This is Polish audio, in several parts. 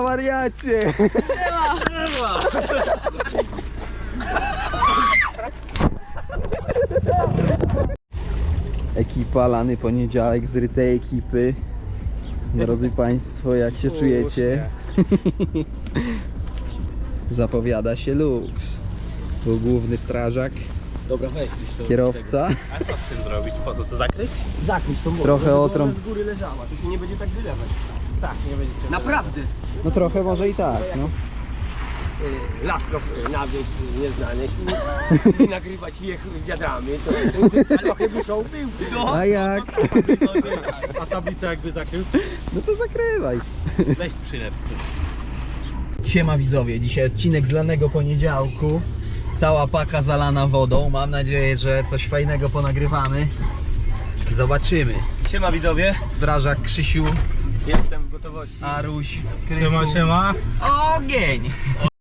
wariacie! Ekipa, lany poniedziałek z rytej ekipy. Drodzy Państwo, jak się czujecie? Zapowiada się luks. Tu główny strażak, Dobra, weź to. kierowca. A co z tym zrobić? Po co to zakryć? Zakryć to może. Trochę otrąb. Z góry leżała, to się nie będzie tak wylewać. Tak, nie będzie się Naprawdę. No trochę może i tak, no. Lasko nawieźć nieznanych i nagrywać ich wiadrami, to trochę muszą był. A jak? A tablicę jakby zakrył? No to zakrywaj. Weź przylep. Siema widzowie, dzisiaj odcinek z lanego poniedziałku. Cała paka zalana wodą. Mam nadzieję, że coś fajnego ponagrywamy. Zobaczymy. Siema widzowie, Strażak Krzysiu, jestem w gotowości. Aruś, Krychu. Siema. Ogień!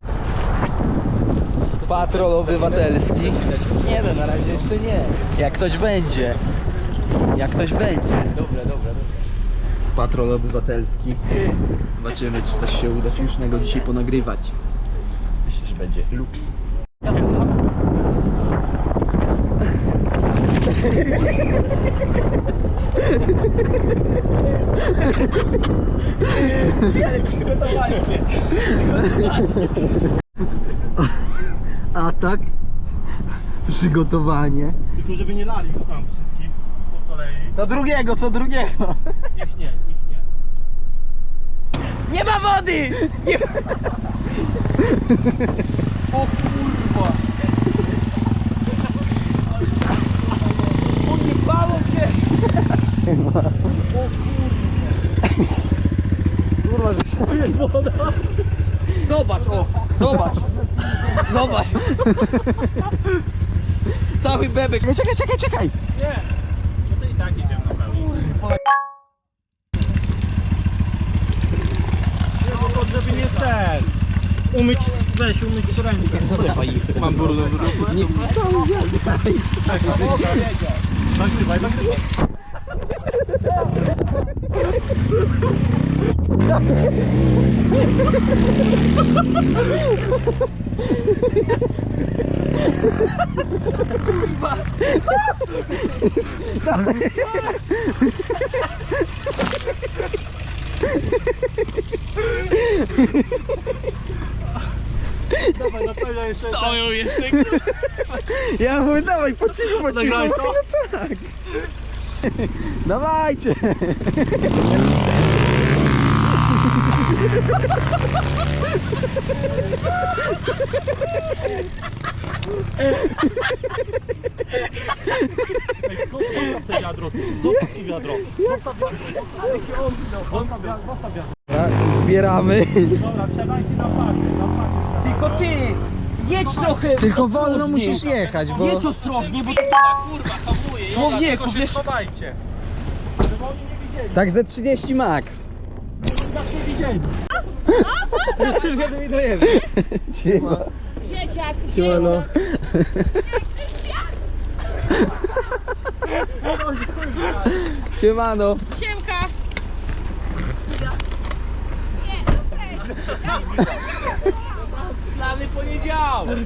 Patrol obywatelski. Nie no, na razie jeszcze nie. Jak ktoś będzie. Jak ktoś będzie. Dobra. Patrol obywatelski. Zobaczymy, czy coś się uda śmiesznego dzisiaj ponagrywać. Myślę, że będzie luks. Atak. Przygotowanie. Tylko żeby nie lali już tam wszystkich po kolei. Co drugiego, co drugiego. Ich nie. Nie ma wody! Nie ma... O kurwa! Odjebało cię! Kurwa, że Tu jest woda. Zobacz, o! Zobacz! Zobacz! Cały bebek! Czekaj! Nie. No to i tak idziemy na pełni. No to żeby nie ten. Umyć rękę. Mam brudną w ruchu. Nie, cały wiatr. Nagrywaj. Dawaj, na pewno jeszcze. Stoją jeszcze. Ja mówię, dawaj, po cichu. Nagrałeś to? No tak. Dawajcie. Zostaw te wiadro. Zostaw to wiadro. Zostaw wiadro. Zbieramy. Dobra, wsiadajcie na parkę. Tylko ty! Jedź trochę! Tylko wolno ostrożnie. musisz jechać, bo... Jedź ostrożnie, bo Kurwa, hamuje. człowieku, wiesz... Schowajcie. Żeby oni nie widzieli. Tak ze 30 max. Nas nie widzieli. Sylwia, dominujemy. Siema. Dzieciak, Siemano. Siemano. Siemka. Znany poniedziałek!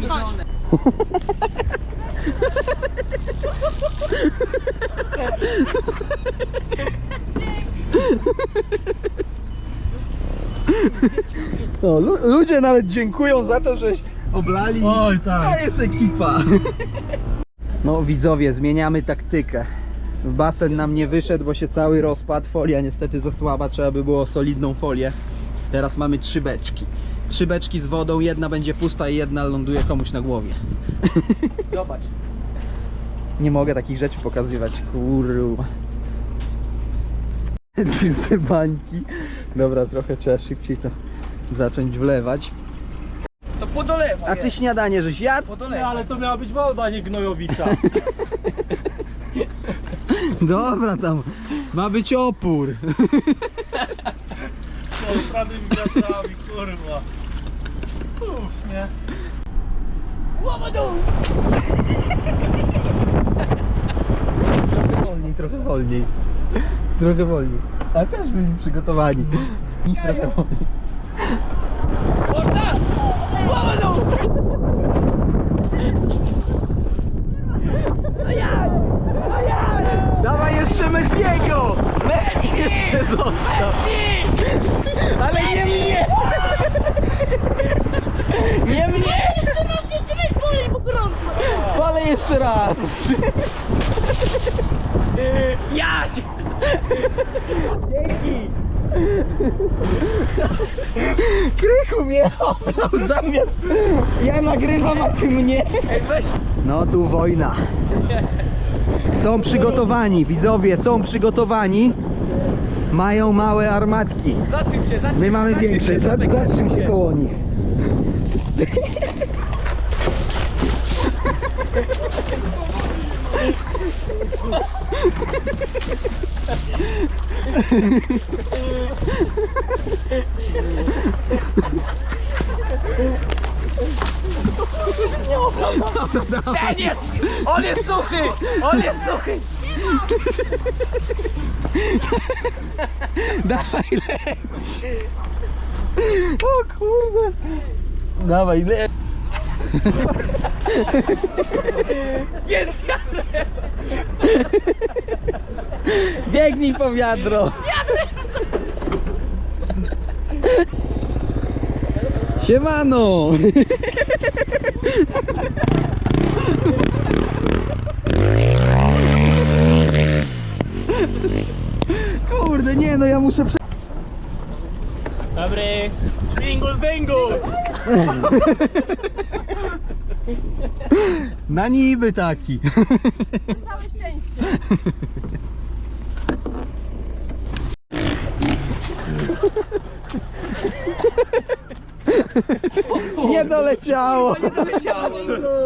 No, ludzie nawet dziękują za to, żeś oblali. Oj, tak. To jest ekipa. No widzowie, zmieniamy taktykę. Basen nam nie wyszedł, bo się cały rozpadł. Folia niestety za słaba, trzeba by było solidną folię. Teraz mamy 3 beczki. 3 beczki z wodą, jedna będzie pusta i jedna ląduje komuś na głowie. Zobacz. Nie mogę takich rzeczy pokazywać, kurwa. Czyste bańki. Dobra, trochę trzeba szybciej to zacząć wlewać. To podolewa. A ty śniadanie żeś jadł? Nie, ale to miała być woda, nie gnojowica. Dobra, tam ma być opór. Prawymi wiatrami, kurwa. Cóż, nie? Trochę wolniej. Trochę wolniej. A też byli przygotowani. Trochę wolniej. Morda! Łamano! Dawaj jeszcze Messiego! Messi jeszcze został! Ale nie mnie! Nie mnie! Jeszcze weź bolej, bo gorąco. Palę jeszcze raz! Jadź! Dzięki! Krychu mnie oblał zamiast... Ja nagrywam, a ty mnie! Ej, weź! No tu wojna. Są przygotowani, widzowie, są przygotowani. Mają małe armatki. Zatrzym się, zatrzym My mamy zatrzym większe. się, Zatrzym się koło nich. Ten jest! On jest suchy! On jest suchy! Dawaj, leć! O kurde! Dawaj, leć! Jest Biegnij po wiadro! Siemano! Kurde, nie no, ja muszę Dobry. Śmigus dyngus. Na niby taki. Całe szczęście. Nie doleciało! Nie doleciało!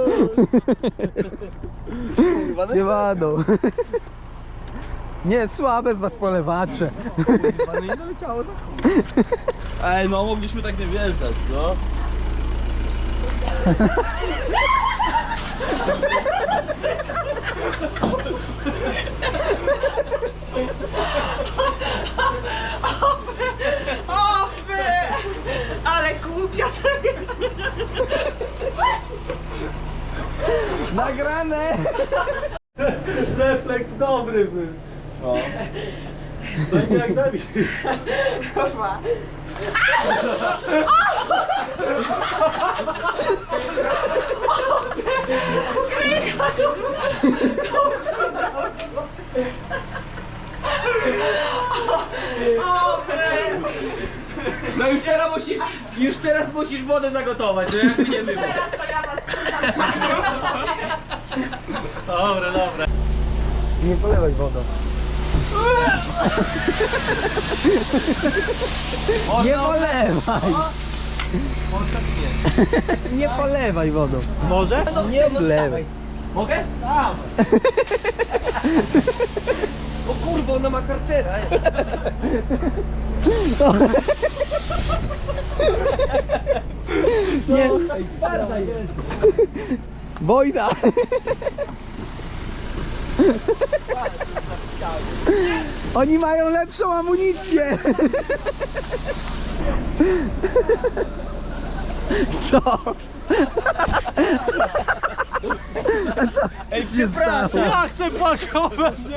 Siemano! Nie, słabe z was polewacze. Nie doleciało to. Ej, no mogliśmy tak nie wjeżdżać, no. Ale głupia sobie! Nagrane! Refleks dobry był. No. No i jak zabić. No już teraz musisz wodę zagotować, no jakby nie było. Dobra, dobra. Nie polewaj wodą. Nie polewaj! Nie polewaj wodą. Może? Nie polewaj. Mogę? Tam! O kurwa, ona ma kartera, ej. Nie, Ej, twarda jest. wojna! Oni mają lepszą amunicję! Co? A co? Ej, się przepraszam. stało? Ja chcę pociąg.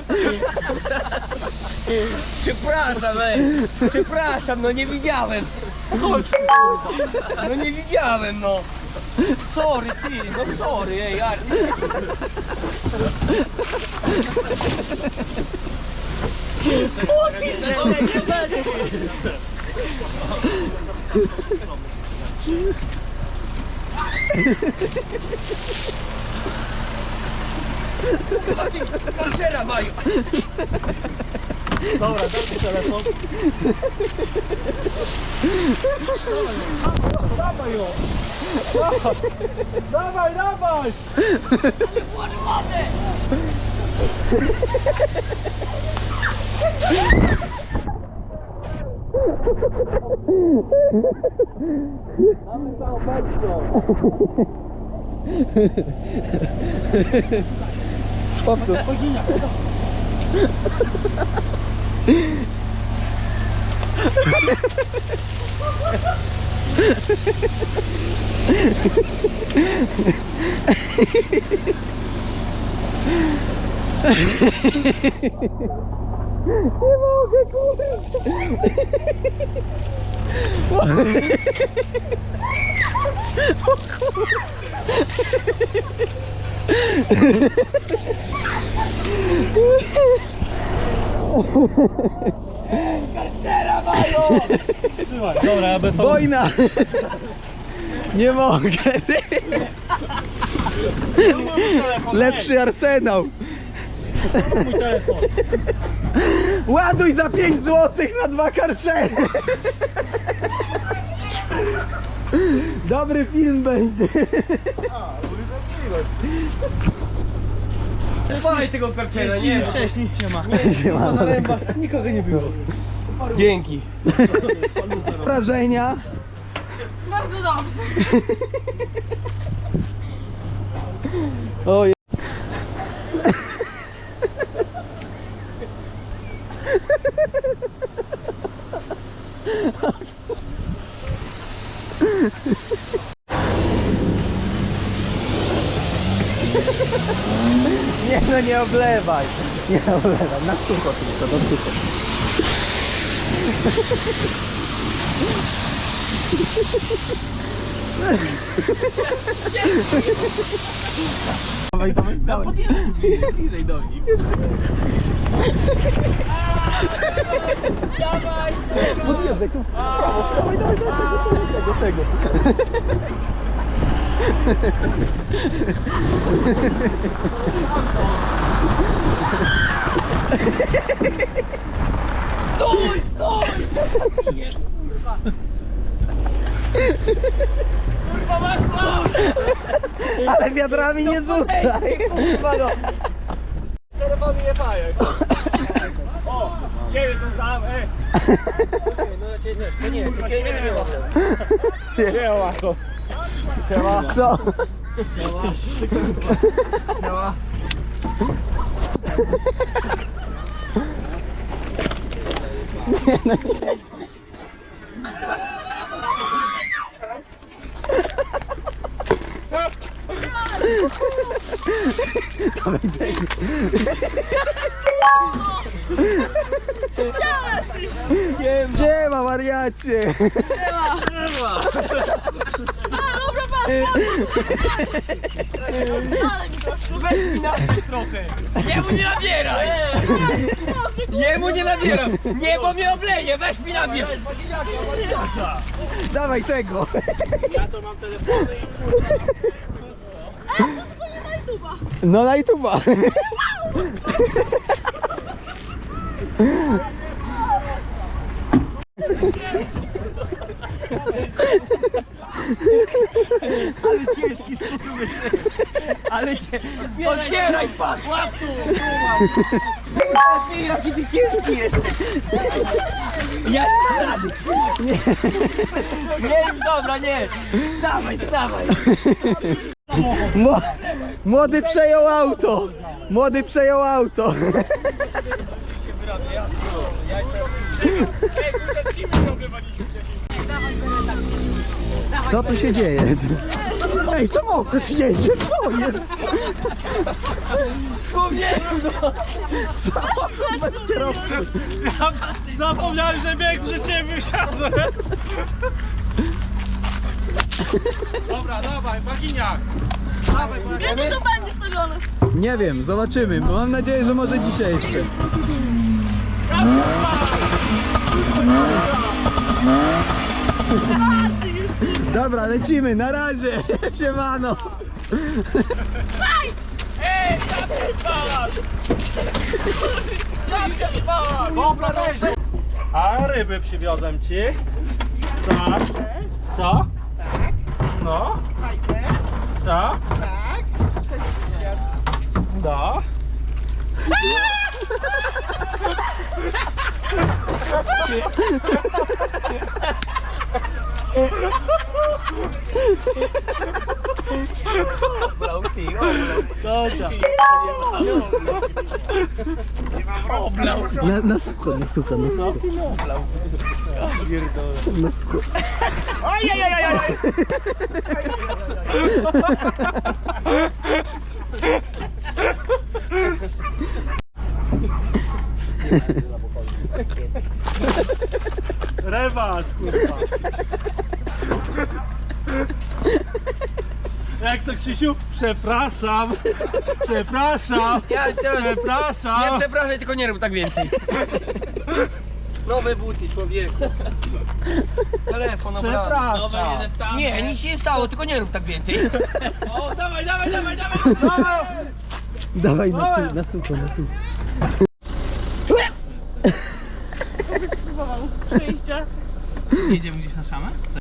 Przepraszam, ej. Przepraszam, no nie widziałem. Chodź. No nie widziałem, no. Sorry, ty, no sorry, ej, Arty. O, ty Kurwa, ty, kartera mają. Dobra, daj mi telefon. Dawaj ją. Dawaj, dawaj. Mamy całą beczką. Powtórz. Nie mogę, kurde. O kurde. Trzymaj, dobra, ja bez Wojna! Nie mogę. Lepszy arsenał. mój telefon. Ładuj za 5 zł na 2 karczery. Dobry film będzie. Dawaj tego karciela, nie wcześniej. Siema. Nikogo nie było. Dzięki. Wrażenia. Bardzo dobrze. Oj. Nie no, nie oblewaj. Nie oblewaj, na sucho tylko, na sucho. Dawaj, dawaj, dawaj. Bliżej do nich. Dawaj! Podjeżdżaj tu w prawo. Dawaj, dawaj, dawaj, tego. Stój, stój! Kurwa, Wacław! Ale wiadrami nie rzucaj. Kurwa, no! Telefon nie fajek. O! Ciebie to znam, ej! To nie, to cię nie wzięło. Siema, co? Siema. Co? Siema. Siema, wariacie. Weź mi napisz trochę. Jemu nie nabieraj. Jemu nie nabieram. Nie, bo mnie obleje. Weź mi nabierz. Dawaj tego. Ja to mam telefony i kurwa. No na YouTube'a. Ale ciężki sposób. Ale cię... Otwieraj, patrz. Łap tu. Ty, jaki ty ciężki jesteś. Ja nie dam rady. Nie, już dobra, nie. Stawaj, stawaj. Młody przejął auto. Młody przejął auto. Co tu się dzieje? Ej, samochód jedzie, co jest? Człowieku, no. Samochód bez kierowcy. Zapomniałem, że bieg przy ciebie wysiadłem. Dobra, dawaj, baginiak. Dawaj, Kiedy to będzie wstawione? Nie wiem, zobaczymy. Mam nadzieję, że może dzisiaj jeszcze. Dobra, lecimy, na razie. Siemano. Ej, zawsze spalasz! Zawsze spalasz! Dobra, dobrze. A ryby przywiozłem ci. Tak. Co? Tak. No. Co? Tak. No. Na sucho, na sucho, na sucho. Na skórę. Rewanż, kurwa. Jak to, Krzysiu? Przepraszam. Przepraszam. Nie Przepraszam. przepraszaj, tylko nie rób tak więcej. Nowe buty, człowieku. Telefon obrany. Przepraszam. Nie, nic się nie stało, tylko nie rób tak więcej. O, dawaj, dawaj, dawaj, dawaj. Dawaj na sucho, na sucho. Przejście. Jedziemy gdzieś na szamę?